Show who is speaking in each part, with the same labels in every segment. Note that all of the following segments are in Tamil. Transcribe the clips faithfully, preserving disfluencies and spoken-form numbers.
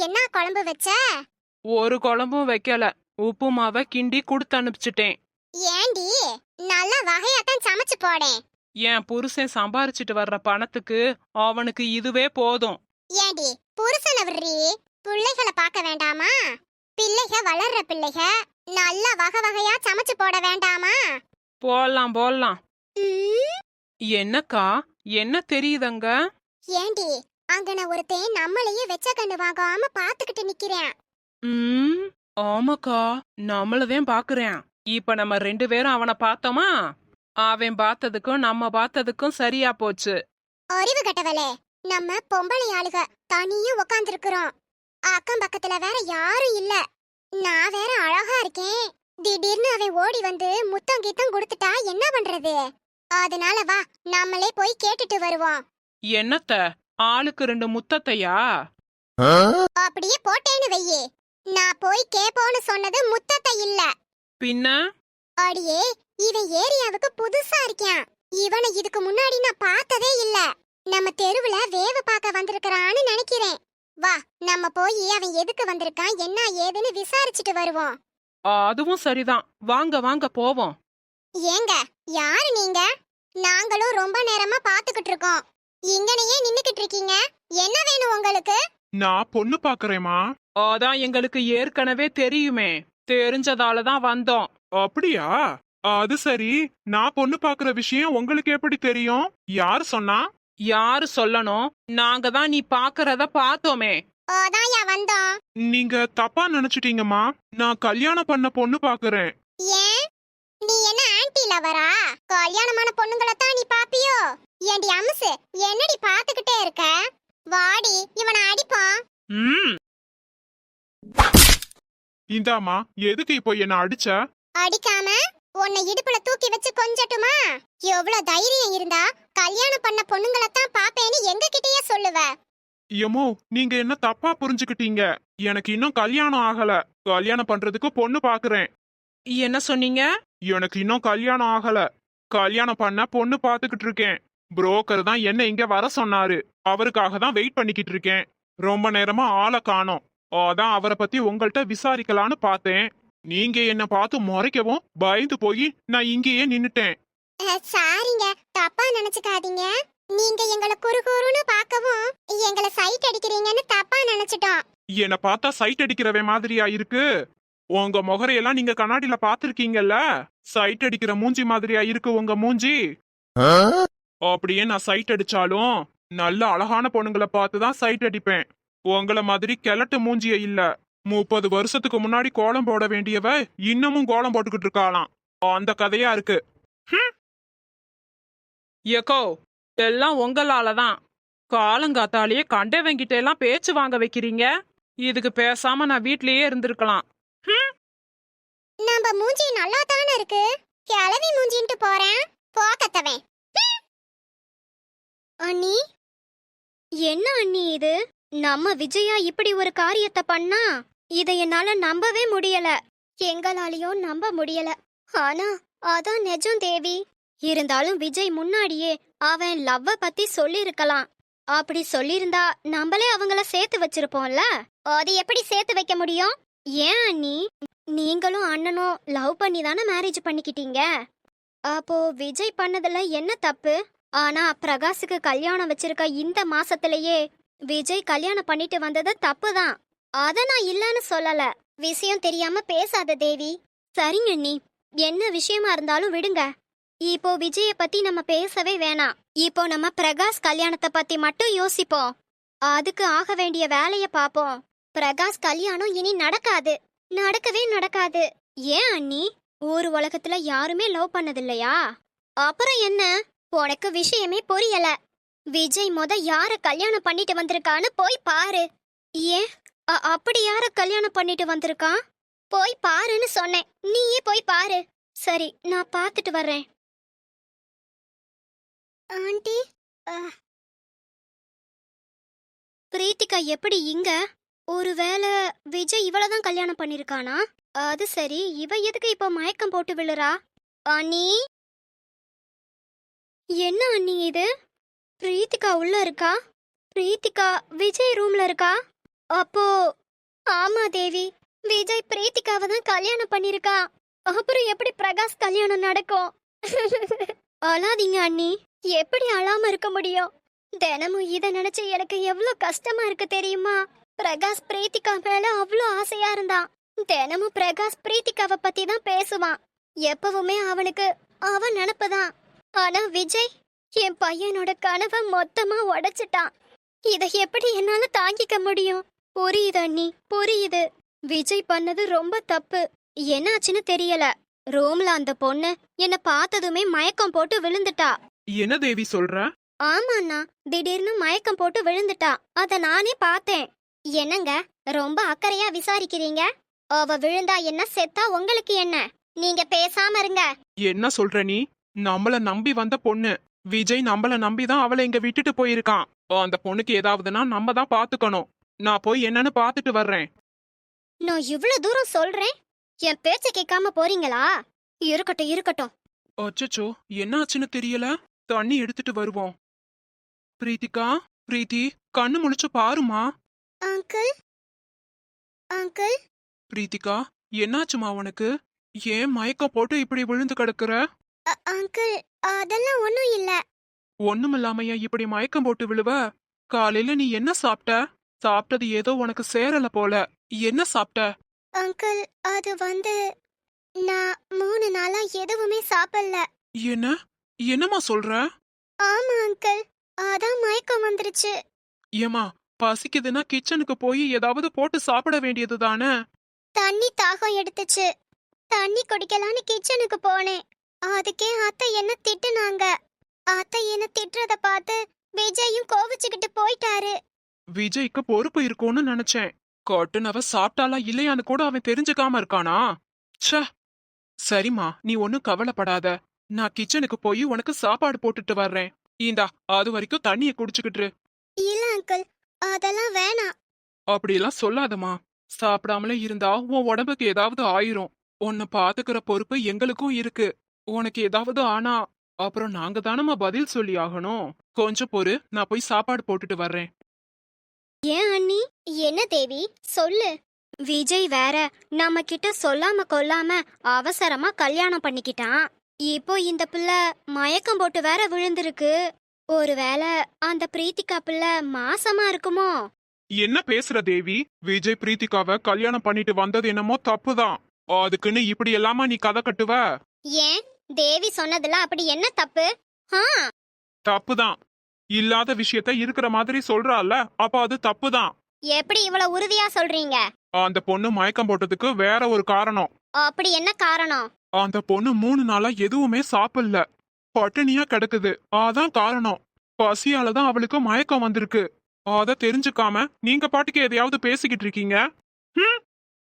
Speaker 1: என்ன குழம்பு வச்ச?
Speaker 2: ஒரு குழம்பும் வைக்கல, உப்புமாவை கிண்டி கொடுத்து அனுப்பிச்சிட்டேன்.
Speaker 1: ஏண்டி, நல்ல வகையாத்தான் சமைச்சு போடேன்.
Speaker 2: என் புருஷன் சம்பாரிச்சிட்டு வர்ற பணத்துக்கு அவனுக்கு இதுவே போதும்.
Speaker 1: ஏண்டி, புருஷனை விடுறி, பிள்ளைகளை பார்க்க வேண்டாமா? பிள்ளைக வளர்ற பிள்ளைக நல்ல வகை வகையா சமைச்சு போட வேண்டாமா?
Speaker 2: போடலாம் போடலாம்.
Speaker 1: ம்,
Speaker 2: என்னக்கா, என்ன தெரியுதங்க?
Speaker 1: ஏண்டி, அங்கன ஒருத்தன் நம்மளையே வெச்ச கண்ணு வாங்காம பாத்துக்கிட்டு நிக்கிறேன்.
Speaker 2: ம் ஆமாக்கா, நம்மளதான் பாக்குறேன். இப்ப நம்ம ரெண்டு பேரும் அவனை பார்த்தோமா, அவன் பார்த்ததுக்கும் நம்ம பார்த்ததுக்கும் சரியா போச்சு.
Speaker 1: அறிவு கட்டவளே, நம்ம பொம்பளை ஆளுக தனியா உக்காந்துருக்குறோம். அக்கம் பக்கத்துல வேற யாரும் இல்ல. நான் வேற அழகா இருக்கேன். திடீர்னு அவன் ஓடி வந்து முத்தம் கீத்தம் கொடுத்துட்டா என்ன பண்றது? அதனால வா, நம்மளே போய் கேட்டுட்டு வருவோம்.
Speaker 2: என்னத்த, ஆளுக்கு ரெண்டு முத்தத்தையா?
Speaker 1: அப்படியே போட்டேன்னு வெய்யே. நான் போய் கேப்போன்னு சொன்னது முத்தத்தை இல்ல.
Speaker 2: பின்ன?
Speaker 1: அடியே, இவன் ஏரியாவுக்கு புதுசா இருக்கான். இவனை இதுக்கு முன்னாடி நான் பார்த்ததே இல்ல. நம்ம தெருவுல வேவு பார்க்க வந்திருக்கறான்னு நினைக்கிறேன். வா, நம்ம போய் அவன் எதுக்கு வந்திருக்கான் என்ன ஏதுன்னு விசாரிச்சுட்டு வருவோம்.
Speaker 2: அதுவும் சரிதான், வாங்க வாங்க போவோம்.
Speaker 1: ஏங்க, யாரு நீங்க? நாங்களும் ரொம்ப நேரமா பாத்துக்கிட்டு இருக்கோம். இங்கனையே நின்னுக்கிட்டு இருக்கீங்க. என்ன வேணும் உங்களுக்கு?
Speaker 2: நான் பொண்ணு பாக்குறேமா. அதான் எங்களுக்கு ஏற்கனவே தெரியுமே, தெரிஞ்சதாலதான் வந்தோம். அப்படியா? அது சரி, நான் பொண்ணு பாக்குற விஷயம் உங்களுக்கு எப்படி தெரியும்? யாரு சொன்னா? யாரு சொல்லணும்? நாங்க தான் நீ பாக்குறத பார்த்தோமே.
Speaker 1: ஓதாயா வந்தோம்.
Speaker 2: நீங்க தப்பா நினைச்சிட்டீங்கம்மா, நான் கல்யாணம் பண்ண பொண்ணு பாக்குறேன்.
Speaker 1: ஏன், நீ என்ன ஆன்டி லவரா? கல்யாணமான பொண்ணுங்களை தான் நீ பாப்பியோ? ஏண்டி அம்சு, என்னடி பாத்துக்கிட்டே இருக்க? வாடி, இவனை அடிப்பான்.
Speaker 2: ம் இந்தாமா, எதுக்கு இப்போ என்ன அடிச்ச?
Speaker 1: அடிக்காம உன்னை இடுப்புல தூக்கி வச்சு கொஞ்சட்டுமா? எவ்வளவு தைரியம் இருந்தா கல்யாணம் பண்ண பொண்ணுங்களை தான் பாப்பேன்னு எங்க கிட்டயே சொல்லுவ?
Speaker 2: எமோ, நீங்க என்ன தப்பா புரிஞ்சுக்கிட்டீங்க. எனக்கு இன்னும் கல்யாணம் ஆகல. கல்யாணம் பண்றதுக்கு பொண்ணு பாக்குறேன். என்ன சொன்னீங்க? எனக்கு இன்னும் கல்யாணம் ஆகல. கல்யாணம் பண்ண பொண்ணு பாத்துக்கிட்டு இருக்கேன். புரோக்கர் தான் என்ன இங்க வர சொன்னாரு. அவருக்காக தான் வெயிட் பண்ணிக்கிட்டு இருக்கேன். ரொம்ப நேரமா ஆளை காணோம். அதான் அவரை பத்தி உங்கள்கிட்ட விசாரிக்கலான்னு பார்த்தேன். நீங்க என்ன பார்த்து முறைக்கவும் பயந்து போய் நான் இங்கேயே நின்னுட்டேன்.
Speaker 1: அஹ், சாரிங்க, தப்பா நினைச்சுக்காதீங்க. நீங்க எங்களை குறு குறுன்னு பார்க்கவும் எங்களை சைட் அடிக்கிறீங்கன்னு தப்பா நினைச்சிட்டோம்.
Speaker 2: என்ன பார்த்தா சைட் அடிக்கிறவே மாதிரியா இருக்கு? உங்க முகரையெல்லாம் நீங்க கண்ணாடியில பாத்திருக்கீங்கல்ல, சைட் அடிக்கிற மூஞ்சி மாதிரியா இருக்கு உங்க மூஞ்சி. அப்படியே நான் சைட் அடிச்சாலும் நல்ல அழகான பொண்ணுங்களை பார்த்துதான் சைட் அடிப்பேன். உங்கள மாதிரி கிழட்டு மூஞ்சிய இல்ல. முப்பது வருஷத்துக்கு முன்னாடி கோலம் போட வேண்டியவ இன்னமும் கோலம் போட்டுக்கிட்டு இருக்காளாம். அந்த கதையா இருக்கு. ஏக்கோ, எல்லாம் உங்களாலதான். காலங்காத்தாலேயே கண்டவங்கிட்ட எல்லாம் பேச்சு வாங்க வைக்கிறீங்க. இதுக்கு பேசாம நான் வீட்லயே இருந்திருக்கலாம்.
Speaker 1: நம்ம மூஞ்சி நல்லா தானே இருக்கு. கிளவி மூஞ்சின்ட்டு போறேன், போக்கத்தவன்.
Speaker 3: அண்ணி, என்ன அண்ணி இது? நம்ம விஜயா இப்படி ஒரு காரியத்தை பண்ணா இதை என்னால நம்பவே முடியல. எங்களாலையும் நம்ப முடியல. ஆனா அதான் நிஜம் தேவி. இருந்தாலும் விஜய் முன்னாடியே அவன் லவ்வ பத்தி சொல்லிருக்கலாம். அப்படி சொல்லிருந்தா நம்மளே அவங்கள சேர்த்து வச்சிருப்போம்ல. அது எப்படி சேர்த்து வைக்க முடியும்? ஏன் அண்ணி, நீங்களும் அண்ணனும் லவ் பண்ணி தானே மேரேஜ் பண்ணிக்கிட்டீங்க. அப்போ விஜய் பண்ணதுல என்ன தப்பு? ஆனா பிரகாஷுக்கு கல்யாணம் வச்சிருக்க இந்த மாசத்திலேயே விஜய் கல்யாணம் பண்ணிட்டு வந்தது தப்புதான். அத நான் இல்லன்னு சொல்லல. விஷயம் தெரியாம பேசாத தேவி. சரிங்க அண்ணி, என்ன விஷயமா இருந்தாலும் விடுங்க. இப்போ விஜய பத்தி நம்ம பேசவே வேணாம். இப்போ நம்ம பிரகாஷ் கல்யாணத்தை பத்தி மட்டும் யோசிப்போம். அதுக்கு ஆக வேண்டிய வேலைய பாப்போம். பிரகாஷ் கல்யாணம் இனி நடக்காது, நடக்கவே நடக்காது. ஏன் அண்ணி, ஒரு உலகத்துல யாருமே லவ் பண்ணதில்லையா? அப்புறம் என்ன, உனக்கு விஷயமே புரியல. விஜய் மொத யார கல்யாணம் பண்ணிட்டு வந்திருக்கான்னு போய் பாரு. ஏன், அப்படி யார கல்யாணம் பண்ணிட்டு வந்திருக்கான்? போய் பாருன்னு சொன்னேன், நீயே போய் பாரு. சரி, நான் பார்த்துட்டு வர்றேன்.
Speaker 1: ஆண்டி,
Speaker 3: பிரீத்திகா எப்படி இங்க? ஒருவேளை விஜய் இவளதான் கல்யாணம் பண்ணிருக்கானா? அது சரி, இவ எதுக்கு இப்போ மயக்கம் போட்டு விழுறா? அண்ணி, என்ன அண்ணி இது? பிரீத்திகா உள்ள இருக்கா? பிரீத்திகா விஜய் ரூம்ல இருக்கா? அப்போ ஆமா தேவி, விஜய் பிரீத்திகாவை தான் கல்யாணம் பண்ணிருக்கா. அப்புறம் எப்படி பிரகாஷ் கல்யாணம் நடக்கும்? அழாதீங்க அண்ணி, எப்படி அழாம இருக்க முடியும்? தினமும் இத நினைச்சு எனக்கு எவ்வளவு கஷ்டமா இருக்கு தெரியுமா? பிரகாஷ் பிரீத்திகா மேல அவ்வளோ ஆசையா இருந்தான். தினமும் பிரகாஷ் பிரீத்திகாவை பத்தி தான் பேசுவான். எப்பவுமே அவனுக்கு அவன் நினப்புதான். ஆனா விஜய் என் பையனோட கனவை மொத்தமா உடைச்சிட்டான். இதை எப்படி என்னால தாங்கிக்க முடியும்? புரியுது அண்ணி, புரியுது. விஜய் பண்ணது ரொம்ப தப்பு. என்னாச்சுன்னு தெரியல. ரூம்ல அந்த பொண்ணு என்ன பார்த்ததுமே மயக்கம் போட்டு விழுந்துட்டா.
Speaker 2: என்ன தேவி சொல்ற?
Speaker 3: ஆமாண்ணா, திடீர்னு மயக்கம் போட்டு விழுந்துட்டா. அத நானே பார்த்தேன். என்னங்க ரொம்ப அக்கறையா விசாரிக்கிறீங்க? அவ விழுந்தா என்ன, செத்தா உங்களுக்கு என்ன? நீங்க பேசாம இருங்க.
Speaker 2: என்ன சொல்ற நீ? நம்மள நம்பி வந்த பொண்ணு. விஜய் நம்மள நம்பிதான் அவளை இங்க விட்டுட்டு போயிருக்கான். அந்த பொண்ணுக்கு ஏதாவதுன்னா நம்ம தான் பாத்துக்கணும். நான் போய் என்னன்னு பாத்துட்டு வர்றேன்.
Speaker 3: நான் இவ்வளவு தூரம் சொல்றேன், என் பேச்ச கேட்காம போறீங்களா? இருக்கட்டும் இருக்கட்டும்.
Speaker 2: அச்சச்சோ, என்ன ஆச்சுன்னு தெரியல. தண்ணி எடுத்துட்டு வருவோம். பிரீத்திகா, பிரீத்தி, கண்ணு முழிச்சு பாருமா.
Speaker 3: அங்கிள் அங்கிள்
Speaker 2: பிரீத்திகா, என்னாச்சுமா உனக்கு? ஏன் மயக்கம் போட்டு இப்படி விழுந்து கிடக்குற?
Speaker 3: அ- அங்கிள் அதெல்லாம் ஒண்ணும் இல்ல.
Speaker 2: ஒண்ணுமில்லாமையா இப்படி மயக்கம் போட்டு விழுவ? காலையில நீ என்ன சாப்பிட்ட? சாப்பிட்டது ஏதோ உனக்கு சேரல போல. என்ன சாப்பிட்ட?
Speaker 3: அங்கிள் அது வந்து நான் மூணு நாளா எதுவுமே சாப்பிடல.
Speaker 2: என்ன என்னம்மா சொல்ற?
Speaker 3: ஆமா அங்கிள், அதான் மயக்கம் வந்துருச்சு.
Speaker 2: ஏமா, பசிக்குதுன்னா கிச்சனுக்கு போய் ஏதாவது போட்டு சாப்பிட வேண்டியது தானே?
Speaker 3: தண்ணி தாகம் எடுத்துச்சு. தண்ணி குடிக்கலான்னு கிச்சனுக்கு போனேன். அதுக்கே அத்தை என்ன திட்டுனாங்க. அத்தை என்ன திட்டுறத பார்த்து விஜயும் கோவிச்சுக்கிட்டு போயிட்டாரு.
Speaker 2: விஜய்க்கு பொறுப்பு இருக்கும்னு நினைச்சேன். கட்டுனவ சாப்பிட்டாலா இல்லையான்னு கூட அவன் தெரிஞ்சுக்காம இருக்கானா? ச்சே. சரிம்மா, நீ ஒன்னும் கவலைப்படாத. நான் கிச்சனுக்கு போய் உனக்கு சாப்பாடு போட்டுட்டு வர்றேன். இந்தா, அது வரைக்கும் தண்ணிய குடிச்சுக்கிட்டு.
Speaker 3: இல்ல அங்கிள், அதெல்லாம் வேணாம்.
Speaker 2: அப்படியெல்லாம் சொல்லாதம்மா. சாப்பிடாமலே இருந்தா உன் உடம்புக்கு ஏதாவது ஆயிரும். உன்னை பாத்துக்கிற பொறுப்பு எங்களுக்கும் இருக்கு. உனக்கு ஏதாவது ஆனா அப்புறம் நாங்க தானம்மா பதில் சொல்லி ஆகணும். கொஞ்சம் பொறு, நான் போய் சாப்பாடு போட்டுட்டு வர்றேன்.
Speaker 3: ஏன் அண்ணி? என்ன தேவி, சொல்லு. விஜய் வேற நம்ம கிட்ட சொல்லாம கொல்லாம அவசரமா கல்யாணம் பண்ணிக்கிட்டான். இப்போ இந்த பிள்ளை மயக்கம் போட்டு வேற விழுந்திருக்கு. ஒருவேளை அந்த பிரீத்திகா பிள்ளை மாசமா இருக்குமோ?
Speaker 2: என்ன பேசுற தேவி? விஜய் பிரீத்திகாவை கல்யாணம் பண்ணிட்டு வந்தது என்னமோ தப்புதான். அதுக்குன்னு இப்படி எல்லாமா நீ கதை கட்டுவ?
Speaker 3: ஏன் தேவி சொன்னதுல அப்படி என்ன தப்பு? ஆ,
Speaker 2: தப்புதான். இல்லாத விஷயத்த இருக்கிற மாதிரி சொல்றால, அப்ப அது தப்புதான்.
Speaker 3: எப்படி இவ்வளவு உறுதியா சொல்றீங்க?
Speaker 2: அந்த பொண்ணு மயக்கம் போட்டதுக்கு வேற ஒரு காரணம்.
Speaker 3: அப்படி என்ன காரணம்?
Speaker 2: அந்த பொண்ணு மூணு நாளா எதுவுமே சாப்பிடல, பட்டினியா கிடக்குது. அதான் காரணம். பசியாலதான் அவளுக்கு மயக்கம் வந்திருக்கு. அத தெரிஞ்சுக்காம நீங்க பாட்டுக்கு எதையாவது பேசிக்கிட்டு இருக்கீங்க. ஹம்?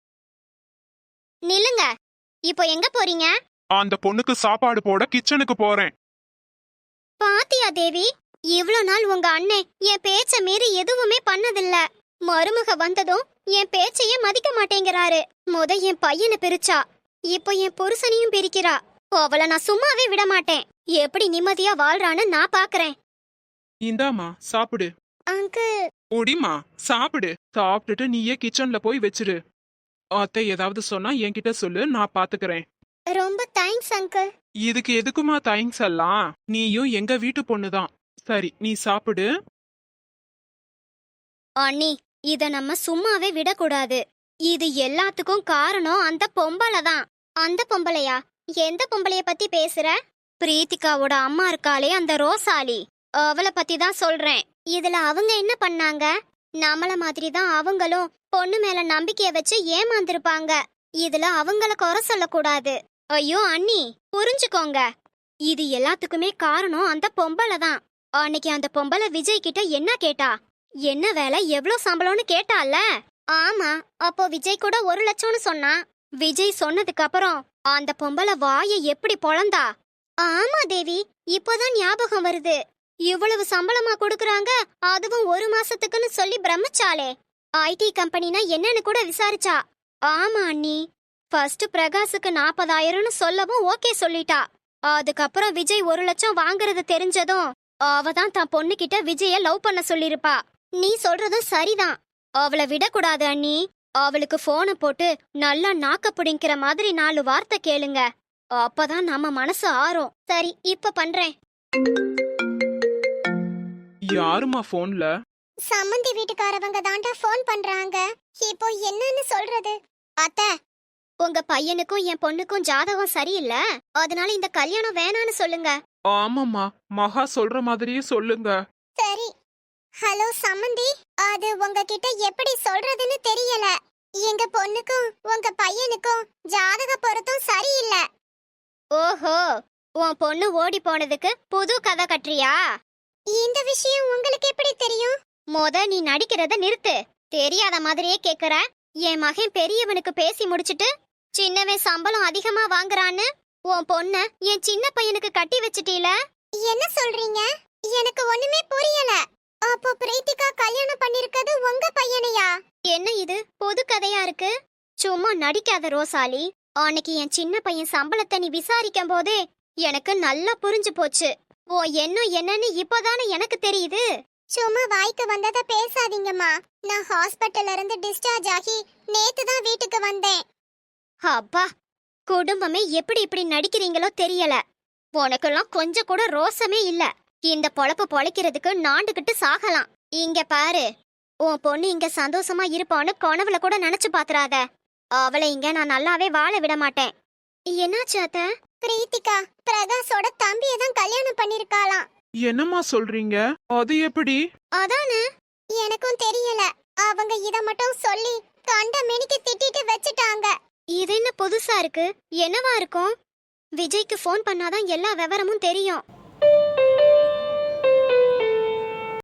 Speaker 3: நில்லுங்க. இப்போ எங்க போறீங்க?
Speaker 2: அந்த பொண்ணுக்கு சாப்பாடு போட கிச்சனுக்கு போறேன்.
Speaker 3: பாத்தியா தேவி, இவ்ளோ நாள் உங்க அண்ணன் என் பேச்ச மீறி எதுவுமே பண்ணதில்ல. மருமக வந்ததும் என் பேச்சையே மதிக்க மாட்டேங்கிறாரு. முத என் பையனை பிரிச்சா, இப்போ என் புருஷனையும் பிரிக்கிறா. அவளை நான் சும்மாவே விட மாட்டேன். எப்படி நிம்மதியா வாழ்றான்னு நான் பாக்குறேன்.
Speaker 2: இந்தாமா, சாப்பிடு.
Speaker 3: அங்கிள்
Speaker 2: ஒடிமா, சாப்பிடு. சாப்பிட்டுட்டு நீயே கிச்சன்ல போய் வச்சிரு. அத்தை ஏதாவது சொன்னா என்கிட்ட சொல்லு, நான் பாத்துக்கிறேன்.
Speaker 3: ரொம்ப தேங்க்ஸ் அங்கிள்.
Speaker 2: இதுக்கு எதுக்குமா தேங்க்ஸ் எல்லாம்? நீயும் எங்க வீட்டு பொண்ணுதான். சரி, நீ சாப்பிடு.
Speaker 3: அண்ணி, இத நம்ம சும்மாவே விடக்கூடாது. இது எல்லாத்துக்கும் காரணம் அந்த பொம்பளை தான். அந்த பொம்பளையா? எந்த பொம்பளைய பத்தி பேசுற? பிரீத்திகாவோட அம்மா இருக்காளே, அந்த ரோசாலி, அவளை பத்தி தான் சொல்றேன். இதுல அவங்க என்ன பண்ணாங்க? நம்மள மாதிரி தான் அவங்களும் பொண்ணு மேல நம்பிக்கைய வச்சு ஏமாந்திருப்பாங்க. இதுல அவங்கள குறை சொல்லக்கூடாது. ஐயோ அண்ணி, புரிஞ்சுக்கோங்க. இது எல்லாத்துக்குமே காரணம் அந்த பொம்பளை தான். அன்னைக்கு அந்த பொம்பளை விஜய் கிட்ட என்ன கேட்டா? என்ன வேலை, எவ்ளோ சம்பளம்னு கேட்டால? ஆமா, அப்போ விஜய் கூட ஒரு லட்சம்னு சொன்னா. விஜய் சொன்னதுக்கு அப்புறம் அந்த பொம்பளை வாயை எப்படி பொளந்தா? ஆமா தேவி, இப்போதான் ஞாபகம் வருது. இவ்வளவு சம்பளமா கொடுக்கறாங்க, அதுவும் ஒரு மாசத்துக்குன்னு சொல்லி பிரமிச்சாலே. ஐடி கம்பெனினா என்னன்னு கூட விசாரிச்சா. ஆமா அண்ணி, ஃபர்ஸ்ட் பிரகாஷுக்கு நாற்பதாயிரம்னு சொல்லவும் ஓகே சொல்லிட்டா. அதுக்கப்புறம் விஜய் ஒரு லட்சம் வாங்குறது தெரிஞ்சதும் அவ தான் தன் பொண்ணு கிட்ட விஜய லவ் பண்ண சொல்லிருப்பா. நீ சொல்றதும் சரிதான். அவளை விடக்கூடாது அண்ணி. அவளுக்கு போனை போட்டு நல்லா நாக்க பிடிக்கிற மாதிரி நாலு வார்த்தை கேளுங்க. அப்பதான் நம்ம மனசு ஆறும். சரி, இப்ப பண்றேன்.
Speaker 2: யாருமா போன்ல?
Speaker 1: சம்மந்தி வீட்டுக்காரவங்க தாண்டா ஃபோன் பண்றாங்க. இப்போ என்னன்னு சொல்றது? அத்தை,
Speaker 3: உங்க பையனுக்கும் என் பொண்ணுக்கும் ஜாதகம் சரியில்லை, அதனால இந்த கல்யாணம் வேணான்னு சொல்லுங்க.
Speaker 2: ஆமாம்மா, மகா சொல்ற மாதிரியே சொல்லுங்க.
Speaker 1: சரி. ஹலோ சம்மந்தி, அது உங்ககிட்ட எப்படி சொல்றதுன்னு தெரியல. எங்க பொண்ணுக்கும் உங்க பையனுக்கும் ஜாதக பொருத்தம் சரியில்லை.
Speaker 3: ஓஹோ, உன் பொண்ணு ஓடி போனதுக்கு புது கதை கட்டுறியா?
Speaker 1: இந்த விஷயம் உங்களுக்கு எப்படி தெரியும்?
Speaker 3: மொத நீ நடிக்கிறத நிறுத்து. தெரியாத மாதிரியே கேக்குற. என் மகன் பெரியவனுக்கு பேசி முடிச்சிட்டு சின்னவன் சம்பளம் அதிகமா வாங்குறான்னு உன் பொண்ண என் சின்ன பையனுக்கு கட்டி வச்சிட்டீல.
Speaker 1: என்ன சொல்றீங்க? எனக்கு ஒண்ணுமே புரியல. அப்போ பிரீத்திகா கல்யாணம் பண்ணிருக்கிறது உங்க பையனையா?
Speaker 3: என்ன இது புது கதையா இருக்கு? சும்மா நடிக்காத ரோசாலி. அன்னைக்கு என் சின்ன பையன் சம்பளத்தை நீ விசாரிக்கும் போதே எனக்கு நல்லா புரிஞ்சு போச்சு. ஓ என்ன என்னன்னு இப்போதானே எனக்கு தெரியுது.
Speaker 1: சும்மா வாய்க்கு வந்தத பேசாதீங்கம்மா. நான் ஹாஸ்பிட்டல்ல இருந்து டிஸ்சார்ஜ் ஆகி நேத்து தான் வீட்டுக்கு வந்தேன்.
Speaker 3: அப்பா, குடும்பமே எப்படி இப்படி நடிக்கிறீங்களோ தெரியல. உனக்கெல்லாம் கொஞ்சம் கூட ரோசமே இல்ல. இந்த பொழப்பு பொழைக்கிறதுக்கு நாண்டுகிட்டு சாகலாம். இங்க பாரு, உன் பொண்ணு இங்க சந்தோஷமா இருப்பான்னு கனவுல கூட நினைச்சு பாத்துறாத. அவளை இங்க நான் நல்லாவே வாழ விட மாட்டேன். என்னாச்சு அத்தை?
Speaker 1: பிரீத்திகா பிரகாஷோட தம்பியை தான் கல்யாணம் பண்ணிருக்காளாம்.
Speaker 2: என்னம்மா சொல்றீங்க? அது எப்படி?
Speaker 3: அதானே
Speaker 1: எனக்கும் தெரியல. அவங்க இத மட்டும் சொல்லி கண்ட மெனிக்கு திட்டிட்டு வச்சுட்டாங்க.
Speaker 3: இது என்ன புதுசா இருக்கு? என்னவா இருக்கும்? விஜய்க்கு ஃபோன் பண்ணாதான் எல்லா விவரமும் தெரியும்.